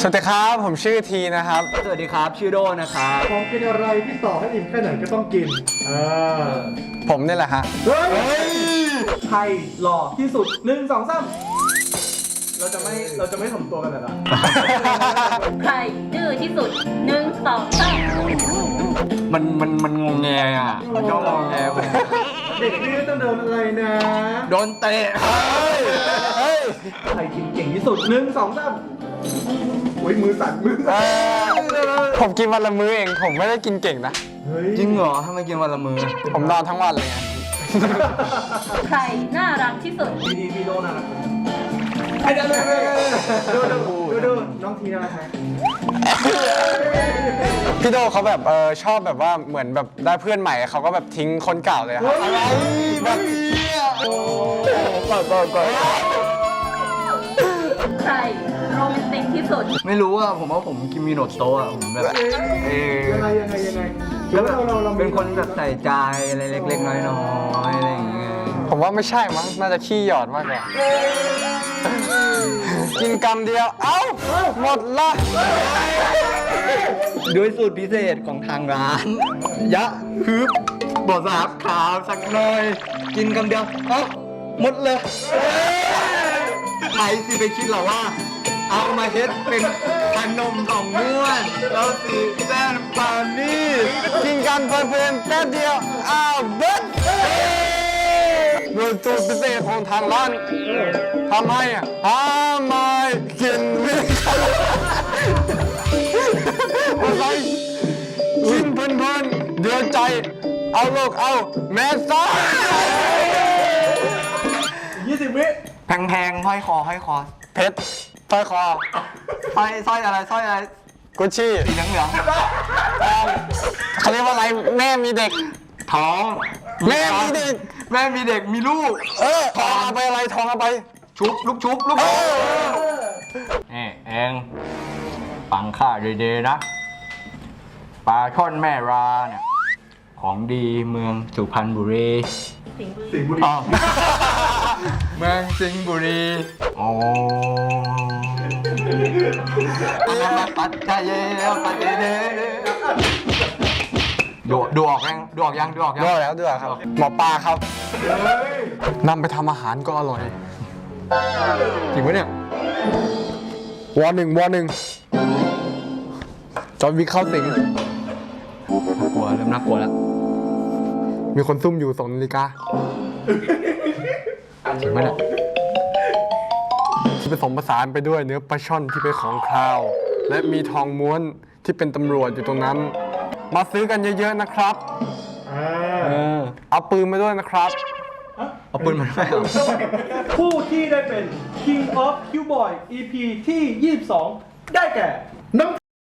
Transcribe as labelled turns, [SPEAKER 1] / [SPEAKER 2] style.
[SPEAKER 1] สวัสดีครับผมชื่อทีนะครับ
[SPEAKER 2] สวัสดีครับชื่อโดนะครับ
[SPEAKER 3] ของกินอะไรที่ต่อให้อิ่มแค่ไหนก็ต้องกิน
[SPEAKER 1] ผมนี่แหละฮะ
[SPEAKER 3] เฮ้ย
[SPEAKER 4] ใครหล่อที่สุด1 2 3เราจะไม่ถ่อมตัวกันเหรอ
[SPEAKER 5] ใครดื้อที่สุด1 2 3
[SPEAKER 2] มันงงแงอ่ะมันก็งงแงไป
[SPEAKER 3] เด็กนี่ต้องโดนอะไรนะ
[SPEAKER 2] โดนเตะ
[SPEAKER 4] ใครกินเก่งที่สุด1 2 3
[SPEAKER 3] อุ้ยมือสั่น
[SPEAKER 1] ผมกินวันละมื้อเองผมไม่ได้กินเก่งนะ
[SPEAKER 3] เฮ้ย
[SPEAKER 2] จริงเหรอทำไมกินวันละมือ
[SPEAKER 1] ผมนอนทั้งวันเลยไง
[SPEAKER 5] ใครน่ารักที่สุด
[SPEAKER 4] พี่โดน่ารัก
[SPEAKER 3] ดูน้องทีน่ารักไหม
[SPEAKER 1] พี่โดเขาแบบชอบแบบว่าเหมือนแบบได้เพื่อนใหม่เขาก็แบบทิ้งคนเก่าเลยครับอะไรแบบก่อน
[SPEAKER 5] ใครโรแมนติกที่สุด
[SPEAKER 2] ไม่รู้อ่ะผมว่าผมกินมีโนโตะอ่ะผมแบบ
[SPEAKER 3] ยังไง
[SPEAKER 2] แล้วแบบ
[SPEAKER 3] เรา
[SPEAKER 2] เป็นคนแบบใส่ใจอะไรเล็กๆน้อยๆอะไรอย่างเงี้ย
[SPEAKER 1] ผมว่าไม่ใช่มั้งน่าจะขี้หยอดมากกว่ากินกำเดียวเอ้าหมดละ
[SPEAKER 2] ด้วยสูตรพิเศษของทางร้านยะฮึบบดสาบขาวสักหน่อยกินคำเดียวเอ้าหมดเลยใครสิไปคิดหรอว่า เอามาเฮ็ดเป็นขนมของม้วนแล้วสิแป้งปานี่
[SPEAKER 1] กินกันเพลินๆแป๊บเดียวอ้าวเบิ้ลโดยสูตรพิเศษของทางร้านทำให้ไม่กินไม่อะไรกินเพลินๆเดือดใจเอาโลกเอาแม่ซ่า
[SPEAKER 4] 20 วิ
[SPEAKER 2] แพงๆห้อยคอ
[SPEAKER 1] เพชรสร้อยคอ
[SPEAKER 2] สร้อยอะไร
[SPEAKER 1] กุชชี่
[SPEAKER 2] สีเหลือง
[SPEAKER 1] เขาเรียกว่าอะไรแม่มีเด็ก
[SPEAKER 2] ๆท้อง
[SPEAKER 1] แม่มีเด็ก
[SPEAKER 2] แม่มีเด็กมีลูก
[SPEAKER 1] ทองเอาไปอะไรทองเอาไป
[SPEAKER 2] ลูกชุบเองฟังข้าดีๆนะปลาช่อนแม่ราเนี่ยของดีเมืองสุพรรณบุรี
[SPEAKER 4] สิงห์บุรี
[SPEAKER 2] อ๋อเมืองสิงห์บุรีโอ้ปัจจัยปัจจัยดูออกยัง
[SPEAKER 1] ดูแล้วครับหมอปลาครับนำไปทำอาหารก็อร่อย
[SPEAKER 2] จริงปะเนี่ยว
[SPEAKER 1] อหนึ่งจอห์นวิกเข้าสิง
[SPEAKER 2] น่ากลัวเริ่มน่ากลัวแล้ว
[SPEAKER 1] มีคนซุ่มอยู่2 นาฬิกา
[SPEAKER 2] จริงปะเนี่ย
[SPEAKER 1] ที่ผสมผสานไปด้วยเนื้อปลาช่อนที่เป็นของคาว และมีทองม้วนที่เป็นตำรวจอยู่ตรงนั้น มาซื้อกันเยอะๆนะครับ เอาปืนมาด้วยนะครับ
[SPEAKER 2] เอาปืนมาด้วยเหรอ
[SPEAKER 4] ผู้ที่ได้เป็น King of Q Boy EP ที่ 22 ได้แก่น้อง